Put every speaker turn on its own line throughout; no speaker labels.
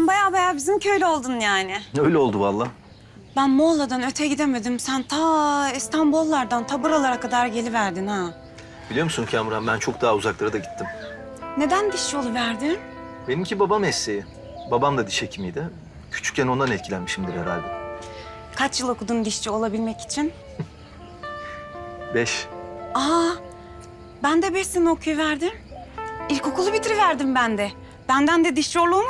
Sen baya bizim köylü oldun yani.
Öyle oldu vallahi.
Ben Muğla'dan öte gidemedim. Sen ta İstanbullardan ta buralara kadar geliverdin ha.
Biliyor musun Kamran, ben çok daha uzaklara da gittim.
Neden dişçi oluverdin?
Benimki baba mesleği. Babam da diş hekimiydi. Küçükken ondan etkilenmişimdir herhalde.
Kaç yıl okudun dişçi olabilmek için?
5.
Aa, ben de 5 sene okuyuverdim. İlkokulu bitiriverdim ben de. Benden de dişçi olur mu?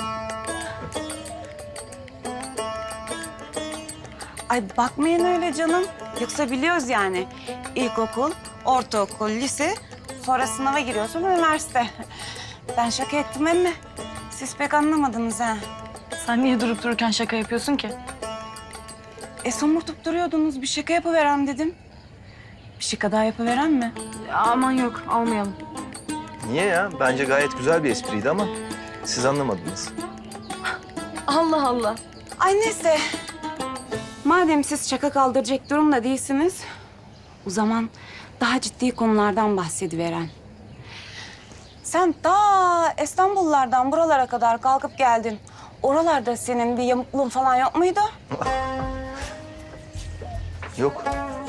Ay bakmayın öyle canım. Yoksa biliyoruz yani. İlkokul, ortaokul, lise, sonra sınava giriyorsun üniversite. Ben şaka ettim emme. Siz pek anlamadınız ha.
Sen niye durup dururken şaka yapıyorsun ki?
Somurtup duruyordunuz. Bir şaka yapıverem dedim. Bir şaka daha yapıverem mi?
Aman yok, almayalım.
Niye ya? Bence gayet güzel bir espriydi ama siz anlamadınız.
Allah Allah.
Ay neyse. Madem siz şaka kaldıracak durumda değilsiniz, o zaman daha ciddi konulardan bahsediveren. Sen ta İstanbullardan buralara kadar kalkıp geldin. Oralarda senin bir yamukluğun falan yok muydu?
Yok.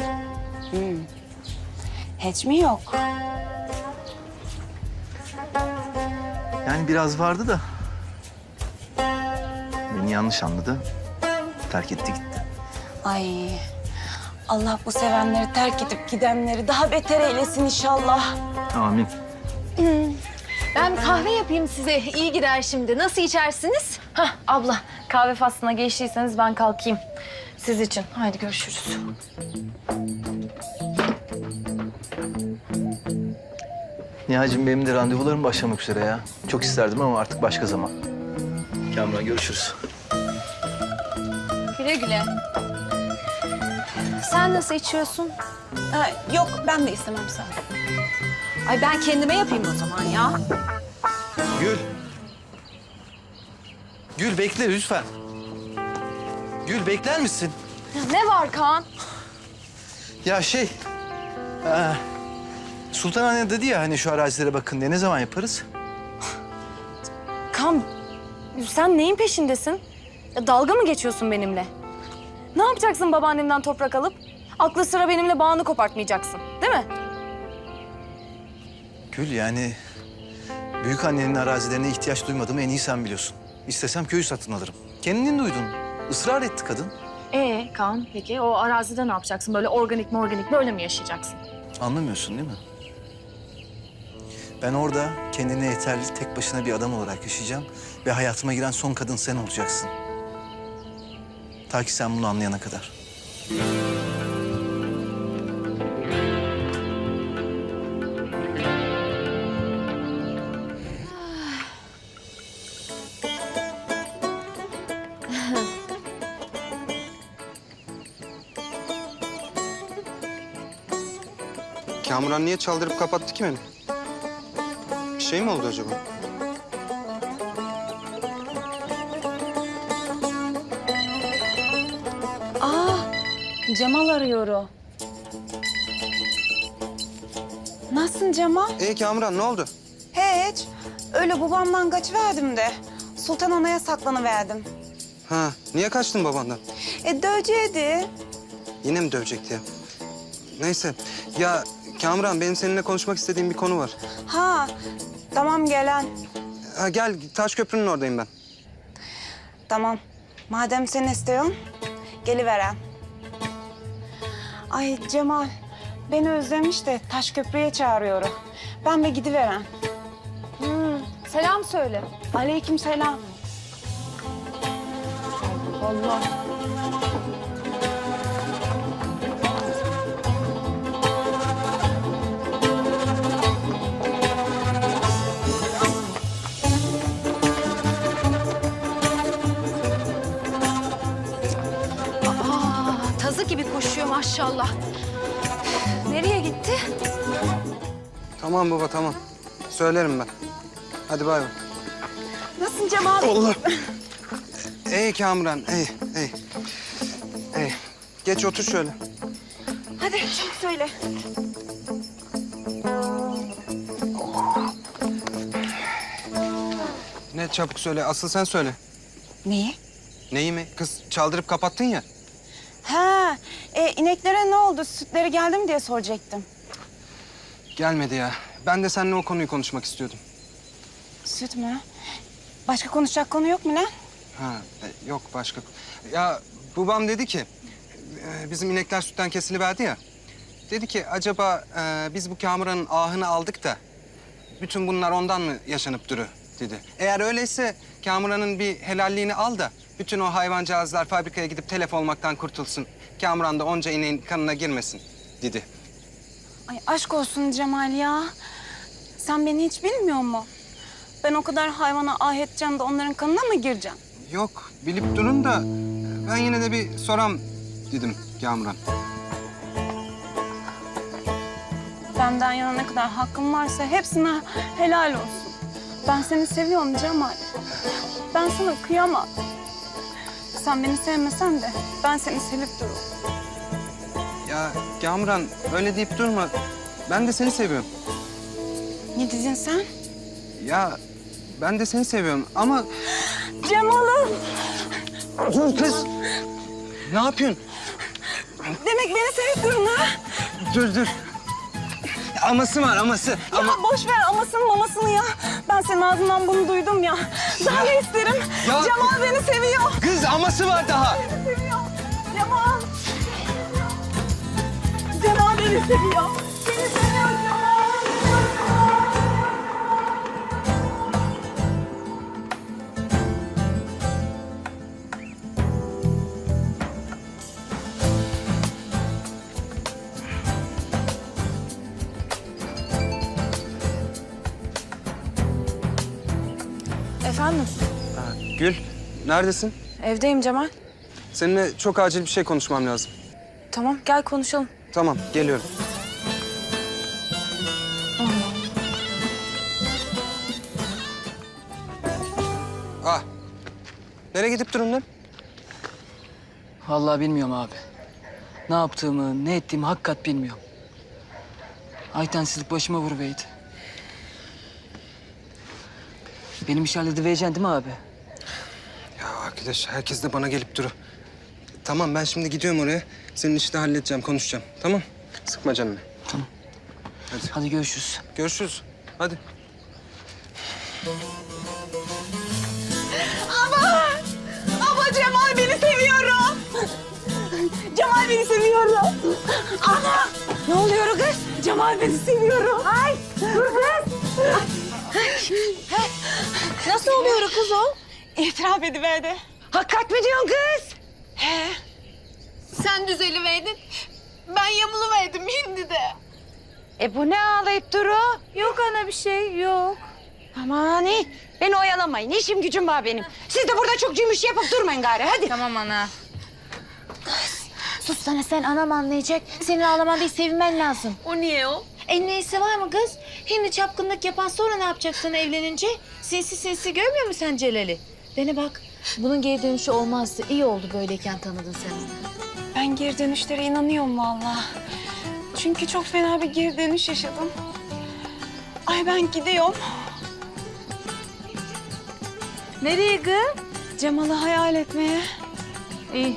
Hiç mi yok?
Yani biraz vardı da. Beni yanlış anladı. Terk etti gitti.
Ay Allah bu sevenleri terk edip gidenleri daha beter eylesin inşallah.
Amin.
Ben kahve yapayım size. İyi gider şimdi. Nasıl içersiniz?
Hah abla, kahve faslına geçtiyseniz ben kalkayım. Siz için. Haydi görüşürüz.
Nihal'cim benim de randevularım başlamak üzere ya. Çok isterdim ama artık başka zaman. Kamran görüşürüz.
Güle güle. Sen nasıl içiyorsun?
Ha, yok ben de istemem sağ ol.
Ay ben kendime yapayım o zaman ya.
Gül. Gül bekle lütfen. Gül bekler misin?
Ne var Kaan?
Ya Sultan Anne dedi ya hani şu arazilere bakın diye, ne zaman yaparız?
Kaan, sen neyin peşindesin? Ya, dalga mı geçiyorsun benimle? Ne yapacaksın babaannemden toprak alıp? Aklı sıra benimle bağını kopartmayacaksın, değil mi?
Gül yani büyük annenin arazilerine ihtiyaç duymadığımı en iyi sen biliyorsun. İstesem köyü satın alırım. Kendin duydun. Israr etti kadın.
Kaan, peki o arazide ne yapacaksın? Böyle organik böyle mi yaşayacaksın?
Anlamıyorsun değil mi? Ben orada kendine yeterli tek başına bir adam olarak yaşayacağım ve hayatıma giren son kadın sen olacaksın. Ta ki sen bunu anlayana kadar.
Kamuran niye çaldırıp kapattı ki beni? Bir şey mi oldu acaba?
Aa, Cemal arıyor o. Nasılsın Cemal?
Kamuran ne oldu?
Hiç. Öyle babamdan kaçıverdim de. Sultan Ana'ya saklanıverdim.
Ha, niye kaçtın babandan?
Döveceğiydi.
Yine mi dövecekti ya? Neyse. Ya Kamuran benim seninle konuşmak istediğim bir konu var.
Ha, tamam gelen.
Ha, gel Taşköprü'nün oradayım ben.
Tamam. Madem sen istiyorsun, geliveren. Ay Cemal, beni özlemiş de Taşköprü'ye çağırıyor. Ben bir gidiveren.
Selam söyle.
Aleykümselam. Allah.
Tazı gibi koşuyor maşallah. Nereye gitti?
Tamam baba tamam. Söylerim ben. Hadi bay bay.
Nasılsın Cemal?
Allah. Kamuran, Geç otur şöyle.
Hadi çabuk söyle.
Ne çabuk söyle, asıl sen söyle.
Neyi?
Neyi mi? Kız çaldırıp kapattın ya.
Ha, ineklere ne oldu? Sütleri geldi mi diye soracaktım.
Gelmedi ya. Ben de seninle o konuyu konuşmak istiyordum.
Süt mü? Başka konuşacak konu yok mu lan?
Ha, yok başka. Ya babam dedi ki, bizim inekler sütten kesiliverdi ya. Dedi ki acaba biz bu Kamuran'ın ahını aldık da bütün bunlar ondan mı yaşanıp duru dedi. Eğer öyleyse Kamuran'ın bir helalliğini al da bütün o hayvancağızlar fabrikaya gidip telef olmaktan kurtulsun. Kamuran da onca ineğin kanına girmesin dedi.
Ay aşk olsun Cemal ya. Sen beni hiç bilmiyor musun? Ben o kadar hayvana ah edeceğim de onların kanına mı gireceğim?
Yok bilip durun da ben yine de bir soram dedim Kamuran.
Benden yana ne kadar hakkım varsa hepsine helal olsun. Ben seni seviyorum Cemal. Ben sana kıyamam. Sen beni sevmesen de ben seni sevip dururum.
Ya Kamuran öyle deyip durma. Ben de seni seviyorum.
Ne dedin sen?
Ya ben de seni seviyorum ama...
Cemal'ım!
Dur kız. Ne yapıyorsun?
Demek beni sevip durun ha?
Dur. Aması var aması.
Ya boş ver amasını mamasını ya. Ben senin ağzından bunu duydum ya. Daha ne isterim?
Ya-
Cemal beni seviyor.
Kız aması var daha.
Beni seviyor. Cemal. Cemal beni seviyor. Beni seviyor Cemal.
Efendim?
Gül neredesin?
Evdeyim Cemal.
Seninle çok acil bir şey konuşmam lazım.
Tamam gel konuşalım.
Tamam geliyorum. Ah. Nereye gidip durun lan?
Vallahi bilmiyorum abi. Ne yaptığımı, ne ettiğimi hakikat bilmiyorum. Aytensizlik başıma vuruveydi. Benim iş halledivereceksin değil mi abi?
Ya arkadaş herkes de bana gelip duru. Tamam ben şimdi gidiyorum oraya. Senin işi de halledeceğim, konuşacağım. Tamam? Sıkma canını.
Tamam.
Hadi.
Hadi görüşürüz.
Görüşürüz. Hadi.
Ama Cemal beni seviyorum. Cemal beni seviyorum. Ana! Ne oluyor kız? Cemal beni seviyorum. Ay! Dur kız.
Nasıl oluyor kız o?
İtiraf ediverdi.
Hakikat mi diyorsun kız? Sen düzeliverdin. Ben yamuluverdim hindi de.
Bu ne ağlayıp duru?
Yok ana bir şey yok.
Aman iyi. Beni oyalamayın. İşim gücüm var benim. Siz de burada çok cümüş yapıp durmayın gari. Hadi.
Tamam ana.
Sus sana sen anam anlayacak. Senin ağlaman değil sevinmen lazım.
O niye o?
Neyse var mı kız? Hindi çapkınlık yapan sonra ne yapacaksın evlenince? Sinsi sinsi görmüyor musun sen Celal'i? Bana bak. Bunun geri dönüşü olmazdı. İyi oldu böyleyken tanıdın sen onu.
Ben geri dönüşlere inanıyorum vallahi. Çünkü çok fena bir geri dönüş yaşadım. Ay ben gidiyorum.
Nereye kız?
Cemal'ı hayal etmeye.
İyi.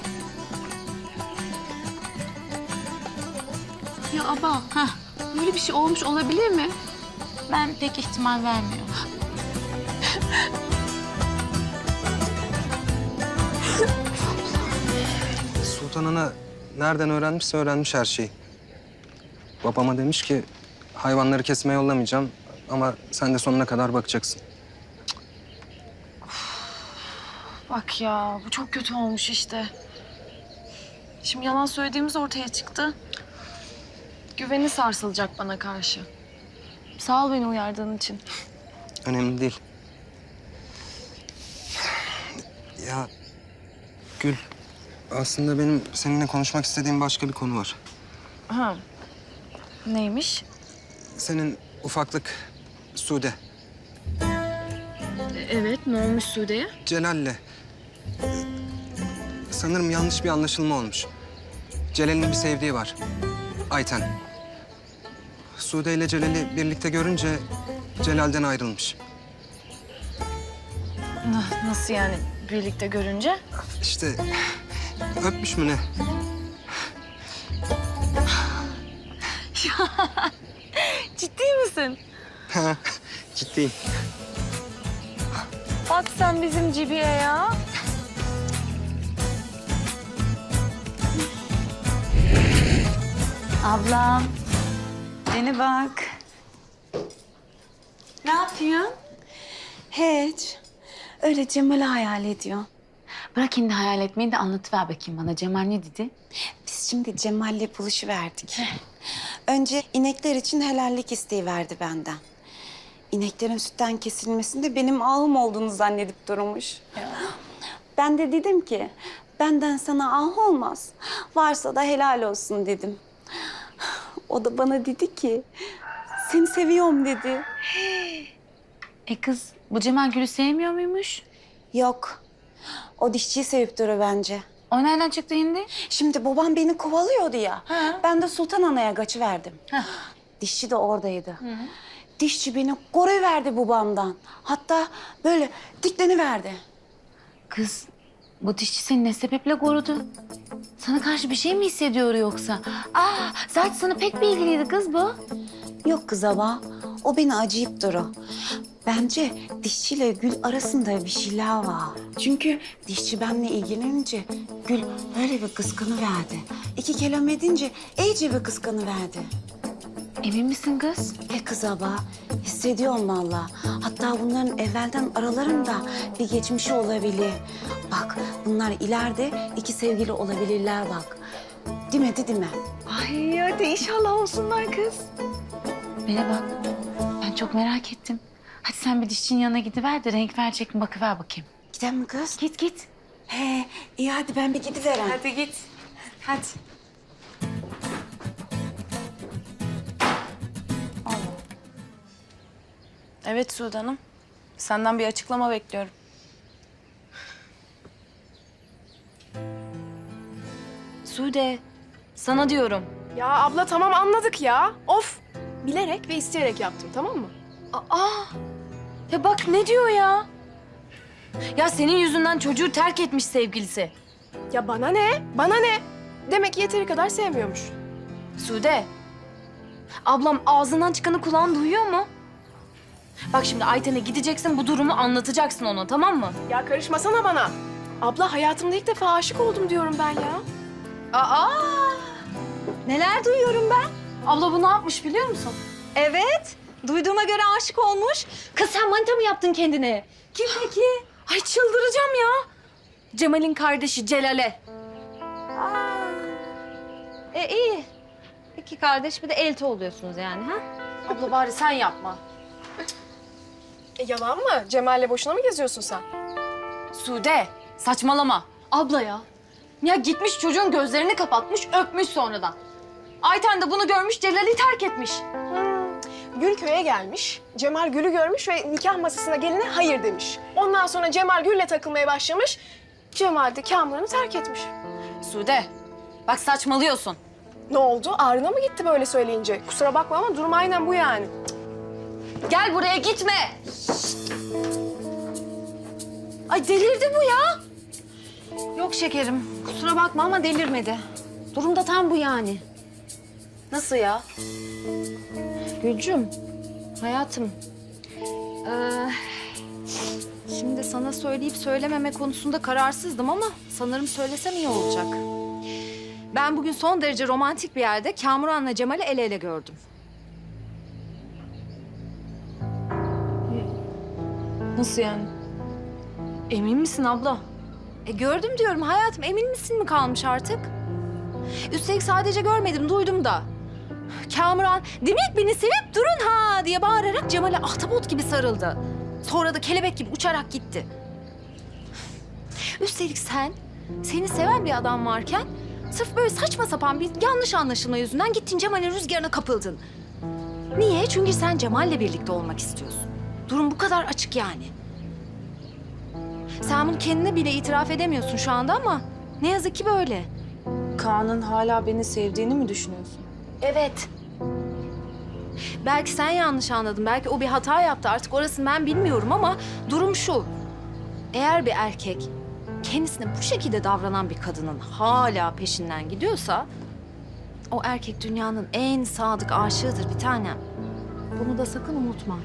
Ya aba, böyle bir şey olmuş olabilir mi? Ben pek ihtimal vermiyorum.
Sultan Ana nereden öğrenmişse öğrenmiş her şeyi. Babama demiş ki hayvanları kesmeye yollamayacağım ama sen de sonuna kadar bakacaksın.
Bak ya bu çok kötü olmuş işte. Şimdi yalan söylediğimiz ortaya çıktı. Güveni sarsılacak bana karşı. Sağ ol beni uyardığın için.
Önemli değil. Ya Gül, aslında benim seninle konuşmak istediğim başka bir konu var.
Ha. Neymiş?
Senin ufaklık Sude,
Evet ne olmuş Sude'ye?
Celal'le sanırım yanlış bir anlaşılma olmuş. Celal'in bir sevdiği var, Ayten. Sude ile Celal'i birlikte görünce Celal'den ayrılmış.
Nasıl yani? birlikte görünce?
İşte öpmüş mü ne?
Ciddi misin?
Ciddiyim.
Bak sen bizim Cibi'ye ya.
Ablam. Beni bak. Ne yapıyorsun? Hiç. Öyle Cemal'i hayal ediyor.
Bırak şimdi hayal etmeyi de anlatıver bakayım bana. Cemal ne dedi?
Biz şimdi Cemal'le buluşuverdik. Önce inekler için helallik isteği verdi benden. İneklerin sütten kesilmesinde benim ahım olduğunu zannedip durmuş. Ben de dedim ki, benden sana ah olmaz. Varsa da helal olsun dedim. O da bana dedi ki, seni seviyorum dedi.
Kız bu Cemal Gül'ü sevmiyor muymuş?
Yok, o dişçiyi sevip duruyor bence.
O nereden çıktı şimdi?
Şimdi babam beni kovalıyordu ya. Ben de Sultan Ana'ya kaçıverdim. Dişçi de oradaydı. Dişçi beni koruyuverdi babamdan. Hatta böyle dikleniverdi.
Kız bu dişçi seni ne sebeple korudu? Sana karşı bir şey mi hissediyor yoksa? Zaten sana pek bir ilgiliydi kız bu.
Yok kız ama o beni acıyıp duru. Bence dişçiyle Gül arasında bir şeyler var. Çünkü dişçi benimle ilgilenince Gül öyle bir kıskanıverdi. 2 kelam edince iyice bir kıskanıverdi.
Emin misin kız?
Kız ama hissediyorum vallahi. Hatta bunların evvelden aralarında bir geçmişi olabilir. Bak bunlar ileride 2 sevgili olabilirler bak. Demedi mi?
Ay hadi inşallah olsunlar kız.
Bana bak. Ben çok merak ettim. Hadi sen bir dişçinin yanına gidiver de renk verecek mi bakıver bakayım.
Gidelim mi kız?
Git git.
He, iyi hadi ben bir gidiverem.
Hadi git. Hadi. Evet Sude Hanım. Senden bir açıklama bekliyorum. Sude, sana diyorum.
Ya abla tamam anladık ya. Of. Bilerek ve isteyerek yaptım tamam mı?
Ya bak ne diyor ya? Ya senin yüzünden çocuğu terk etmiş sevgilisi.
Ya bana ne? Bana ne? Demek ki yeteri kadar sevmiyormuş.
Sude, ablam ağzından çıkanı kulağın duyuyor mu? Bak şimdi Ayten'e gideceksin, bu durumu anlatacaksın ona, tamam mı?
Ya karışmasana bana. Abla hayatımda ilk defa aşık oldum diyorum ben ya.
Neler duyuyorum ben? Abla bu ne yapmış biliyor musun?
Evet. Duyduğuma göre aşık olmuş. Kız sen manita mı yaptın kendine?
Kim peki? Ay çıldıracağım ya. Cemal'in kardeşi Celal'e.
İyi. 2 kardeş bir de elti oluyorsunuz yani ha?
Abla bari sen yapma.
Yalan mı? Cemal'le boşuna mı geziyorsun sen?
Sude, saçmalama. Abla ya. Ya gitmiş çocuğun gözlerini kapatmış, öpmüş sonradan. Ayten de bunu görmüş, Celal'i terk etmiş.
Gül köye gelmiş. Cemal Gül'ü görmüş ve nikah masasına geline hayır demiş. Ondan sonra Cemal Gül'le takılmaya başlamış. Cemal de Kamuran'ı terk etmiş.
Sude, bak saçmalıyorsun.
Ne oldu? Ağrına mı gitti böyle söyleyince? Kusura bakma ama durum aynen bu yani.
Gel buraya gitme. Ay delirdi bu ya.
Yok şekerim. Kusura bakma ama delirmedi. Durum da tam bu yani.
Nasıl ya?
Gülcüm, hayatım. Şimdi sana söyleyip söylememe konusunda kararsızdım ama sanırım söylesem iyi olacak. Ben bugün son derece romantik bir yerde Kamuran'la Cemal'i el ele gördüm.
Nasıl yani? Emin misin abla?
Gördüm diyorum hayatım. Emin misin mi kalmış artık? Üstelik sadece görmedim, duydum da. Kamuran, demek beni sevip durun ha diye bağırarak Cemal'e ahtapot gibi sarıldı. Sonra da kelebek gibi uçarak gitti. Üstelik seni seven bir adam varken sırf böyle saçma sapan bir yanlış anlaşılma yüzünden gittin Cemal'in rüzgarına kapıldın. Niye? Çünkü sen Cemal'le birlikte olmak istiyorsun. Durum bu kadar açık yani. Sen bunu kendine bile itiraf edemiyorsun şu anda ama ne yazık ki böyle.
Kaan'ın hala beni sevdiğini mi düşünüyorsun?
Evet. Belki sen yanlış anladın. Belki o bir hata yaptı. Artık orasını ben bilmiyorum ama durum şu. Eğer bir erkek kendisine bu şekilde davranan bir kadının hala peşinden gidiyorsa o erkek dünyanın en sadık aşığıdır bir tanem. Bunu da sakın unutma.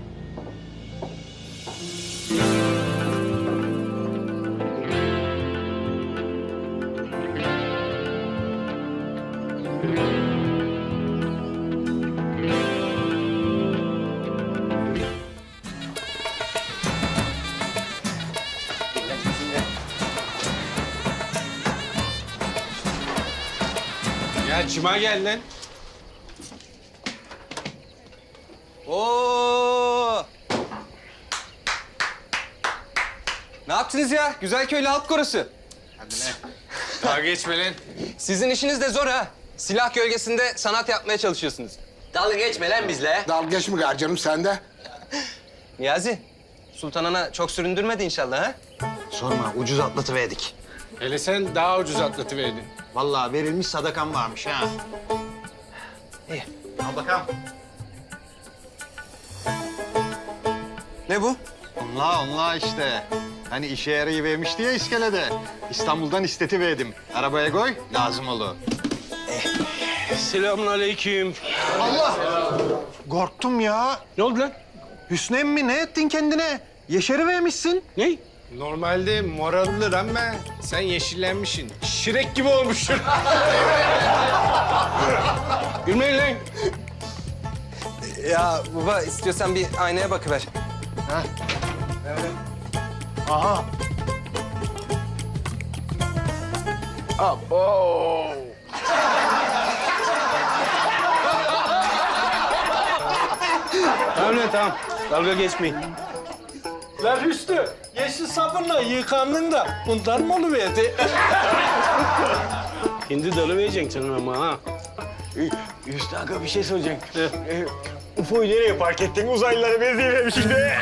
Ya Cuma gel lan.
Oo! Ne yaptınız ya? Güzelköylü Halk Korosu.
Hadi lan. Daha geçme lan.
Sizin işiniz de zor ha. Silah gölgesinde sanat yapmaya çalışıyorsunuz. Dalga geçme lan bizle.
Dalga geçme canım sen de.
Niyazi, Sultan Ana çok süründürmedi inşallah ha?
Sorma ucuz atlatıverdik.
Hele sen daha ucuz atlatıverdin.
Vallahi verilmiş sadakam varmış ha.
İyi.
Al bakalım.
Ne bu?
Onla işte. Hani işe yarayıvermişti ya iskelede. İstanbul'dan istetiverdim. Arabaya koy, lazım olur.
Selamünaleyküm.
Allah! Korktum ya.
Ne oldu lan?
Hüsnü emmi ne ettin kendine? Yeşerivermişsin.
Ne? Normalde morallidir ama sen yeşillenmişsin. Şirek gibi olmuşsun. Gülmeyin lan.
Ya baba istiyorsan bir aynaya bakıver.
Aha.
Tamam lan tamam. Dalga geçmeyin. Lan Hüsnü, yeşil sabunla yıkandın da bundan mı oluverdi? Hindi dalı vereceksin canım ama ha.
Hüsnü Aga bir şey soracağım. UFO'yu nereye park ettin? Uzaylılara benzeyememiş şimdi.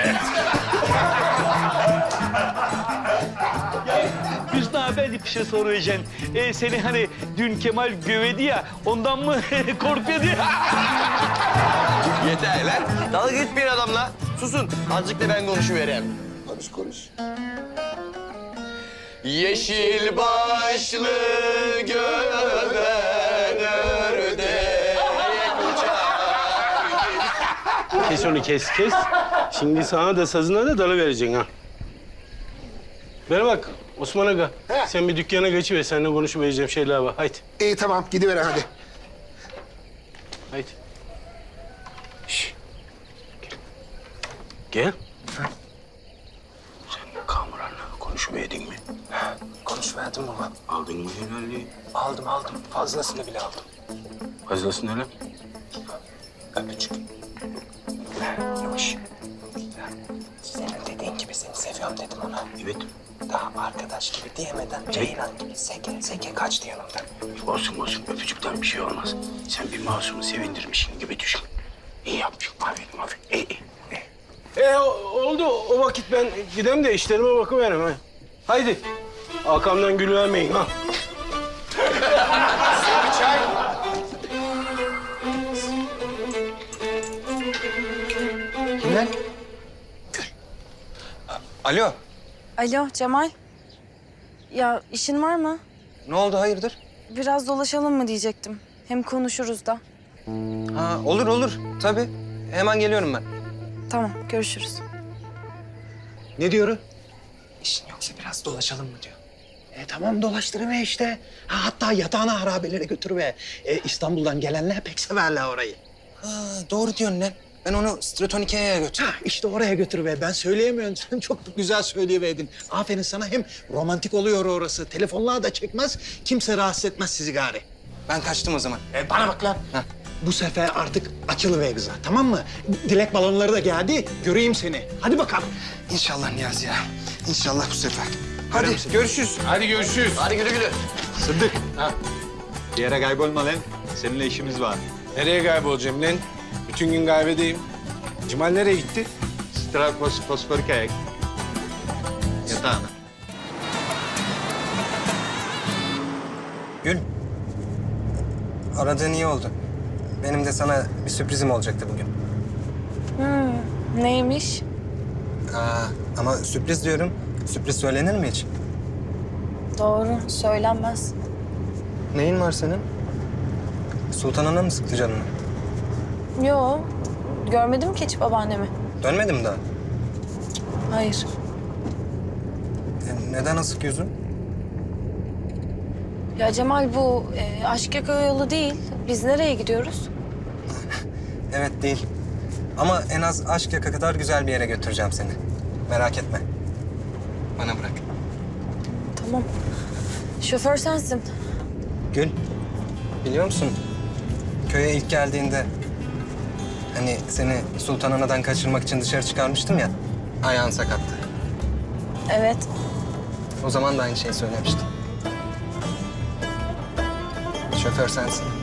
Hüsnü abi ben de bir şey soracağım. Seni hani dün Kemal gövedi ya, ondan mı korkuyordu?
Yeter lan. Dalga geçmeyin adamla. Susun. Azıcık da ben konuşuvereyim.
Konuş.
Yeşil başlı göven ördek
Kes onu kes. Şimdi sana da sazına da dalı vereceksin ha. Bana bak Osman Aga. Sen bir dükkana geçiver. Seninle konuşuvereceğim şeyler var. Haydi.
İyi tamam gidiver hadi.
Haydi. Şş. Gel. Sen Kamuran'la konuşuverdin mi?
Konuşverdim baba.
Aldın mı helalliği?
Aldım. Fazlasını bile aldım.
Fazlasını öyle.
Öpücük. Yavaş. Senin dediğin gibi seni seviyorum dedim ona.
Evet.
Daha arkadaş gibi diyemeden Ceylan gibi seke kaçtı yanımdan.
Olsun. Öpücükten bir şey olmaz. Sen bir masumu sevindirmişsin gibi düşün. İyi yapmışsın. Aferin. İyi. Oldu. O vakit ben gidem de işlerime bakıverem ha. Haydi. Arkamdan gül vermeyin ha.
Kim lan? Alo.
Alo Cemal. Ya işin var mı?
Ne oldu hayırdır?
Biraz dolaşalım mı diyecektim. Hem konuşuruz da.
Ha olur. Tabii. Hemen geliyorum ben.
Tamam görüşürüz.
Ne diyor?
İşin yoksa biraz dolaşalım mı diyor.
Tamam dolaştırıver işte. Hatta yatağına harabelere götürüver. İstanbul'dan gelenler pek severler orayı.
Ha, doğru diyorsun lan. Ben onu Stratonike'ye götür.
İşte oraya götürüver. Ben söyleyemiyorum. Sen çok güzel söyleyiverdin. Aferin sana. Hem romantik oluyor orası. Telefonlar da çekmez. Kimse rahatsız etmez sizi gari.
Ben kaçtım o zaman.
Bana bak lan.
Ha.
Bu sefer artık açılıver kıza. Tamam mı? Dilek balonları da geldi. Göreyim seni. Hadi bakalım.
İnşallah Niyazi ya. İnşallah bu sefer. Hadi görüşürüz.
Hadi görüşürüz.
Hadi güle.
Sıddık. Bir yere kaybolma lan. Seninle işimiz var.
Nereye kaybolacağım lan? Bütün gün kahvedeyim. Cemal nereye gitti?
Strakos fosforik ayak. Yatağına.
Gül. Aradığın iyi oldu. Benim de sana bir sürprizim olacaktı bugün.
Neymiş?
Ama sürpriz diyorum. Sürpriz söylenir mi hiç?
Doğru, söylenmez.
Neyin var senin? Sultan Ana mı sıktı canını?
Yo, görmedim ki hiç babaannemi.
Dönmedi mi daha?
Hayır.
Neden asık yüzün?
Ya Cemal bu aşk yaka yolu değil. Biz nereye gidiyoruz?
Evet değil. Ama en az aşk yaka kadar güzel bir yere götüreceğim seni. Merak etme. Bana bırak.
Tamam. Şoför sensin.
Gül, biliyor musun? Köye ilk geldiğinde... hani seni Sultan Ana'dan kaçırmak için dışarı çıkarmıştım ya. Ayağın sakattı.
Evet.
O zaman da aynı şeyi söylemiştim. Şoför sensin.